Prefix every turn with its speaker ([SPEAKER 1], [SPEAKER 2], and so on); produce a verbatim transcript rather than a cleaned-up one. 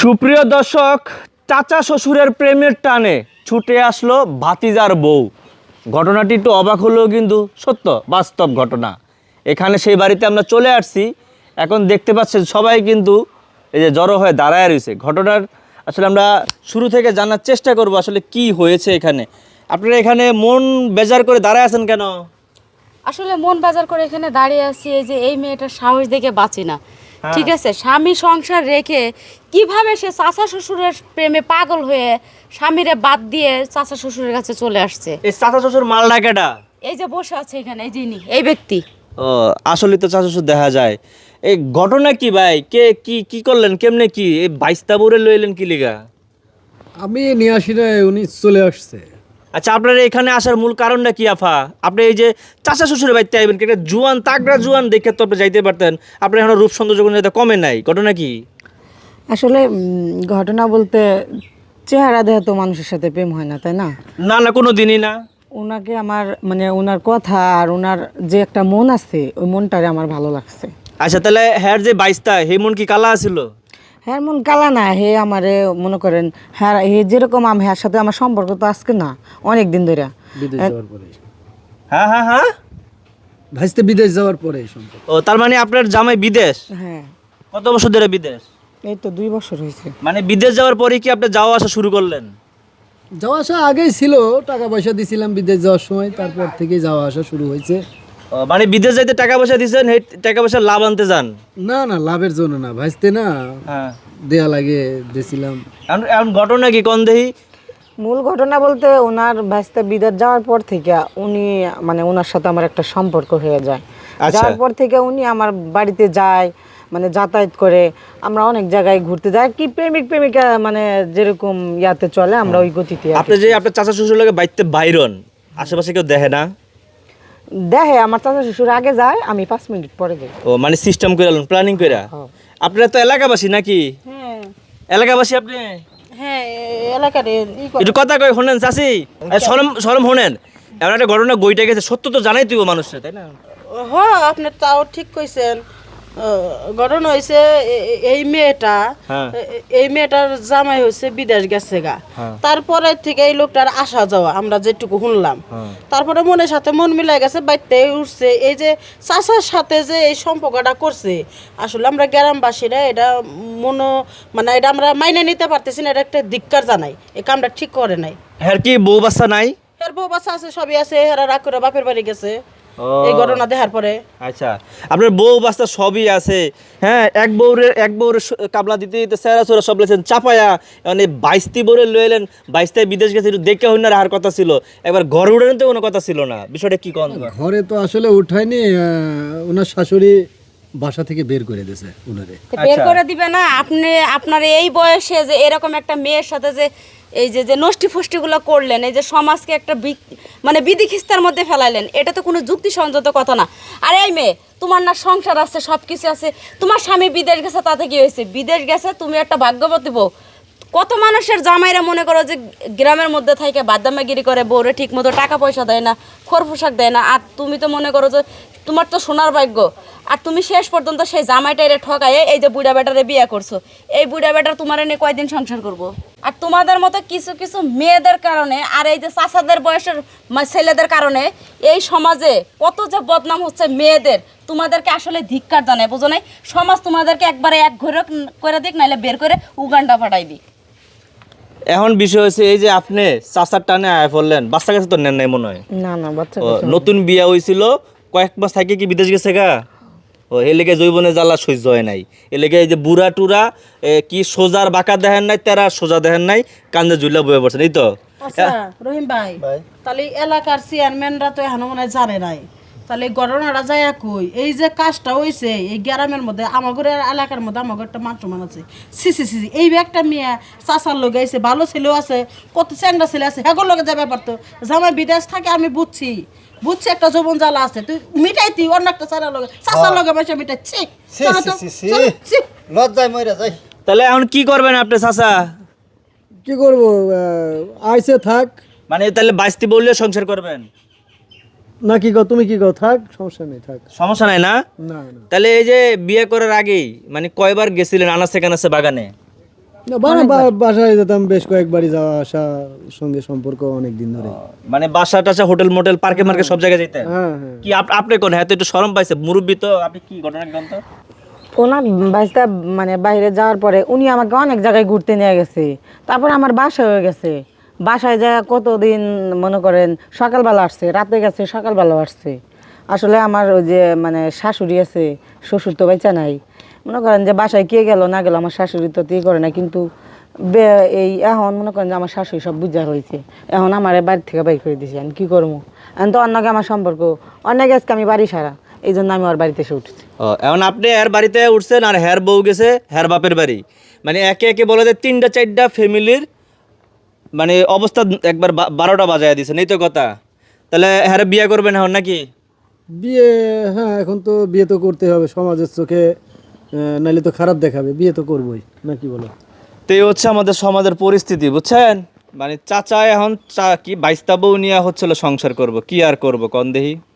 [SPEAKER 1] সুপ্রিয় দর্শক, চাচা শ্বশুরের প্রেমের টানে ছুটে আসলো ভাতিজার বউ। ঘটনাটি একটু অবাক হলেও কিন্তু সত্য, বাস্তব ঘটনা। এখানে সেই বাড়িতে আমরা চলে আসছি। এখন দেখতে পাচ্ছেন সবাই কিন্তু এই যে জড়ো হয়ে দাঁড়ায় রয়েছে। ঘটনার আসলে আমরা শুরু থেকে জানার চেষ্টা করব আসলে কি হয়েছে এখানে। আপনারা এখানে মন বেজার করে দাঁড়ায় আছেন কেন?
[SPEAKER 2] আসলে মন বাজার করে এখানে দাঁড়িয়ে আছি এই যে এই মেয়েটার সাহস দেখে বাঁচি না। ঠিক আছে, স্বামী সংসার রেখে কিভাবে সে চাচা শ্বশুরের প্রেমে পাগল হয়ে স্বামীরে বাদ দিয়ে চাচা শ্বশুরের কাছে চলে আসছে।
[SPEAKER 1] এই চাচা শ্বশুর মাল ডাকেটা
[SPEAKER 2] এই যে বসে আছে এখানে, এই যিনি এই ব্যক্তি।
[SPEAKER 1] ও আসলে তো চাচা শ্বশুর দেখা যায়। এই ঘটনা কি ভাই? কে কি কি করলেন, কেমনে কি এই বাইস্তা বরে লইলেন কি লিগা?
[SPEAKER 3] আমি নিয়ে আসি না, উনি চলে আসছে।
[SPEAKER 1] আচ্ছা, আপনার এখানে আসার মূল কারণটা কি আফা? আপনি এই যে চাচা শ্বশুরের বাড়িতে আইবেন, একটা জুয়ান তাগড়া জুয়ান দেখে তো আপনি যাইতে পারতেন। আপনার এখন রূপ সৌন্দর্য কোনো যাতে কমে নাই, ঘটনা কি?
[SPEAKER 4] আসলে উম, ঘটনা বলতে চেহারা দেখে তো মানুষের সাথে প্রেম হয় না, তাই না?
[SPEAKER 1] না না, কোনো দিনই না।
[SPEAKER 4] ওনাকে আমার মানে ওনার কথা আর ওনার যে একটা মন আছে, ওই মনটারে আমার ভালো লাগছে।
[SPEAKER 1] আচ্ছা, তাহলে হ্যার যে বাইস্তা হে মন কি কালা আছিল?
[SPEAKER 4] হ্যাঁ, মন কালা না, হে আমারে মনে করেন হ্যাঁ, হে যেরকম আমি হ্যার সাথে আমার সম্পর্ক তো আজকে না, অনেক দিন ধরে।
[SPEAKER 3] বিদেশ যাওয়ার পরে
[SPEAKER 1] হ্যাঁ হ্যাঁ হ্যাঁ,
[SPEAKER 3] ভাইস্তে বিদেশ যাওয়ার পরে এই সম্পর্ক।
[SPEAKER 1] ও তার মানে আপনার জামাই বিদেশ?
[SPEAKER 4] হ্যাঁ,
[SPEAKER 1] কত বছর ধরে বিদেশ?
[SPEAKER 4] এই তো দুই বছর হয়েছে।
[SPEAKER 1] মানে বিদেশ যাওয়ার পরে কি আপনি যাওয়া আসা শুরু করলেন?
[SPEAKER 3] যাওয়া আসা আগেই ছিল, টাকা পয়সা দিছিলাম বিদেশ যাওয়ার সময়, তারপর থেকে যাওয়া আসা শুরু হয়েছে।
[SPEAKER 1] ও মানে বিদেশ যাইতে টাকা পয়সা দিয়েছেন, সেই টাকা পয়সা লাভ আনতে যান?
[SPEAKER 3] না না, লাভের জন্য না, ভাইস্তে না
[SPEAKER 1] হ্যাঁ,
[SPEAKER 3] দেয়া লাগে দিছিলাম।
[SPEAKER 1] এখন এখন ঘটনা কি কোন দেহি?
[SPEAKER 4] মূল ঘটনা বলতে ওনার ভাইস্তা বিদেশ যাওয়ার পর থেকে উনি মানে ওনার সাথে আমার একটা সম্পর্ক হয়ে যায়।
[SPEAKER 1] আচ্ছা।
[SPEAKER 4] যাওয়ার পর থেকে উনি আমার বাড়িতে যায়, মানে যাতায়াত করে, আমরা অনেক জায়গায় ঘুরতে যাই, কি প্রেমিক প্রেমিকা মানে যেরকম ইয়াতে চলে আমরা ওই গতিতে আর কি।
[SPEAKER 1] আপনি যে আপনার চাচা শ্বশুর লাগে বাইতে বাইরন, আশেপাশে কেউ দেখে না?
[SPEAKER 4] দেখে আমার চাচা শ্বশুর আগে যায়, আমি পাঁচ মিনিট পরে যাই।
[SPEAKER 1] ও মানে সিস্টেম করে প্ল্যানিং করে।
[SPEAKER 4] হ্যাঁ।
[SPEAKER 1] আপনারা তো এলাকাবাসী নাকি?
[SPEAKER 4] হ্যাঁ
[SPEAKER 1] এলাকাবাসী আপনি?
[SPEAKER 4] হ্যাঁ, এলাকার
[SPEAKER 1] একটু কথা কই শোনেন চাচি, সরম সরম শোনেন। এমন একটা ঘটনা গইটা গেছে, সত্য তো জানাই তুই মানুষটা, তাই না?
[SPEAKER 5] হ্যাঁ, আপনি তাও ঠিক কইছেন। ঘটনা হয়েছে এই মেয়েটা,
[SPEAKER 1] হ্যাঁ।
[SPEAKER 5] এই মেয়েটার জামাই হয়েছে বিদেশ গেছে গা। তারপরে থেকে এই লোকটার আসা যাওয়া আমরা যেটুকু শুনলাম, তারপরে মনের সাথে মন মিলাই গেছে, বাইতে উঠছে। এই যে চাচার সাথে যে এই সম্পর্কটা করছে, আসলে আমরা গ্রামবাসীরা এটা মনো মানে এটা আমরা মাইনে নিতে পারতেছি না। এটা একটা ধিক্কার জানাই, এই কামটা ঠিক করে নাই।
[SPEAKER 1] হ্যাঁ, কি বউ বাচ্চা নাই?
[SPEAKER 5] এর বউ বাচ্চা আছে, সবই আছে, এরা রাগ করে বাপের বাড়ি গেছে
[SPEAKER 1] ও।
[SPEAKER 5] এই ঘটনা দেখার পরে।
[SPEAKER 1] আচ্ছা, আপনার বউ বাচ্চা সবই আছে। হ্যাঁ, এক বউরে এক বউরে কাবলা দিতে দিতে সেরা সোরা সব লেছেন চাপায়া, মানে বাইশটি বউরে লয়ে এলেন। বাইশটায় বিদেশ গেছে, একটু দেখে হইনার আর কথা ছিল, একবার ঘর উড়ানোর তো কোনো কথা ছিল না। বিষয়টা কি কোন?
[SPEAKER 3] ঘরে তো আসলে উঠায়নি, আহ, ওনার শাশুড়ি বাসা থেকে বের করে দিয়েছে উনারে।
[SPEAKER 2] তো বের করে দিবে না? আপনি আপনার এই বয়সে যে এরকম একটা মেয়ের সাথে যে এই যে যে নষ্টি ফষ্টিগুলো করলেন, এই যে সমাজকে একটা বি- মানে বিধি খিস্তার মধ্যে ফেলাইলেন, এটা তো কোনো যুক্তিসঙ্গত কথা না। আর এই মেয়ে, তোমার না সংসার আছে, সব কিছু আছে, তোমার স্বামী বিদেশ গেছে, তাতে কি হয়েছে? বিদেশ গেছে, তুমি একটা ভাগ্যবতী বউ। কত মানুষের জামাইরা মনে করো যে গ্রামের মধ্যে থেকে বাদামাগিরি করে, বউরে ঠিক মতো টাকা পয়সা দেয় না, খোর পোশাক দেয় না। আর তুমি তো মনে করো যে তোমার তো সোনার ভাগ্য, আর তুমি শেষ পর্যন্ত সেই জামাইটারে ঠকায়ে এই যে বুড়া বেটারে বিয়ে করছো। এই বুড়া বেটার তোমার এনে কয়দিন সংসার করবো? আর তোমাদের মতো কিছু কিছু মেয়েদের কারণে আর এই যে চাচাদের বয়সের মা- ছেলেদের কারণে এই সমাজে কত যে বদনাম হচ্ছে মেয়েদের। তোমাদেরকে আসলে ধিক্কার জানায়, বুঝো নাই? সমাজ তোমাদেরকে একবারে এক ঘরে করে দিক, নাহলে বের করে উগান্ডা পাঠাইবি।
[SPEAKER 1] এখন বিষয় হচ্ছে এই যে আপনি চাচার টানে আয় পড়লেন, বাচ্চা কাছে তো নেন নাই মনে হয়।
[SPEAKER 4] না না, বাচ্চা
[SPEAKER 1] ও,
[SPEAKER 4] কাচ্চা
[SPEAKER 1] নতুন বিয়া হয়েছিল, কয়েক মাস থাকে কি বিদেশ গেছে গা। ও এ লেগে জৈবনে জ্বালা সহ্য হয় নাই। এ লেগে এই যে বুড়া টুরা এ, কি সোজার বাঁকা দেখেন নাই, তেরা সোজা দেখেন নাই, কান্দে জুইলা বয়ে পড়ছেন, এই তো।
[SPEAKER 5] আচ্ছা রহিম ভাই, তাহলে এলাকার চেয়ারম্যানরা তো এখনো মনে হয় জানে নাই, তাহলে এই ঘটনাটা যায় কই? এই যে কাজটা হয়েছে এই গ্রামের মধ্যে, আমাদের এলাকার মধ্যে আমাদের একটা মান সম্মান আছে। সি সি সি এই একটা মেয়ে চাচার লোক আইছে, ভালো ছেলেও আছে, কত চ্যাংরা ছেলে আছে, হ্যাঁ লোকে যাবে পারতো। জামাই বিদেশ থাকে আমি বুঝছি, বুঝছি একটা যৌবন জ্বালা আছে, তুই মিটাই তুই অন্য একটা চারা লগে চাচার লগে বসে মিটাচ্ছি।
[SPEAKER 6] লজ্জায় মরে যাই।
[SPEAKER 1] তাহলে এখন কি করবেন আপনি চাচা?
[SPEAKER 3] কি করবো, আহ, আইসে থাক।
[SPEAKER 1] মানে তাহলে বাইশটি বললে সংসার করবেন?
[SPEAKER 3] না কি কও, তুমি কি কও? থাক, সমস্যা নেই, থাক।
[SPEAKER 1] সমস্যা নাই না?
[SPEAKER 3] না না,
[SPEAKER 1] তাহলে এই যে বিয়ে করার আগেই মানে কয়বার গেছিলেন আনাচে কানাচে বাগানে?
[SPEAKER 3] না, বা- বা- বাসায় যেতাম বেশ কয়েকবারই যাওয়া আসা, সঙ্গে সম্পর্ক অনেক দিন ধরে।
[SPEAKER 1] মানে বাসা টাসা হোটেল মোটেল পার্কে মার্কে সব জায়গায় যেতেন?
[SPEAKER 3] হ্যাঁ হ্যাঁ
[SPEAKER 1] কি আপ- আপনি কোন হ্যাঁ তো একটু শরম পাইছে মুরব্বী তো, আপনি কি ঘটনা গ্রন্থ?
[SPEAKER 4] ওনার ভাইস্তা মানে বাইরে যাওয়ার পরে উনি আমাকে অনেক জায়গায় ঘুরতে নিয়ে গেছে, তারপর আমার বাসা হয়ে গেছে। বাসায় যায় কতদিন মনে করেন সকালবেলা আসছে, রাতে গেছে, সকালবেলা আসছে। আসলে আমার ওই যে মানে শাশুড়ি আছে, শ্বশুর তো বাইচা নাই, মনে করেন যে বাসায় কে গেল না গেল আমার শাশুড়ি তো তে করে না। কিন্তু বে- এই এখন মনে করেন যে আমার শাশুড়ি সব বুঝা হয়েছে, এখন আমার বাড়ি থেকে বাইর করে দিয়েছে, আমি কী করবো? এখন তো অন্যকে আমার সম্পর্ক অনেক আজকে আমি বাড়ি সারা, এই জন্য আমি ওর বাড়িতে এসে উঠছি।
[SPEAKER 1] ও, এখন আপনি এর বাড়িতে উঠছেন আর হের বউ গেছে হের বাপের বাড়ি, মানে একে একে বলা যায় তিনটা চারটা ফ্যামিলির মানে অবস্থা একবার বা- বারোটা বাজায় দিছেন, এই তো কথা। তাহলে হ্যাঁ বিয়ে করবেন এখন নাকি?
[SPEAKER 3] বিয়ে, হ্যাঁ এখন তো বিয়ে তো করতে হবে সমাজের চোখে, আহ, নাইলে তো খারাপ দেখাবে, বিয়ে তো করবোই নাকি বলো?
[SPEAKER 1] তো এই হচ্ছে আমাদের সমাজের পরিস্থিতি, বুঝছেন? মানে চাচা এখন চা কি বাইস্তা বউ নিয়ে হচ্ছিল সংসার করব, কি আর করব কন দেহি।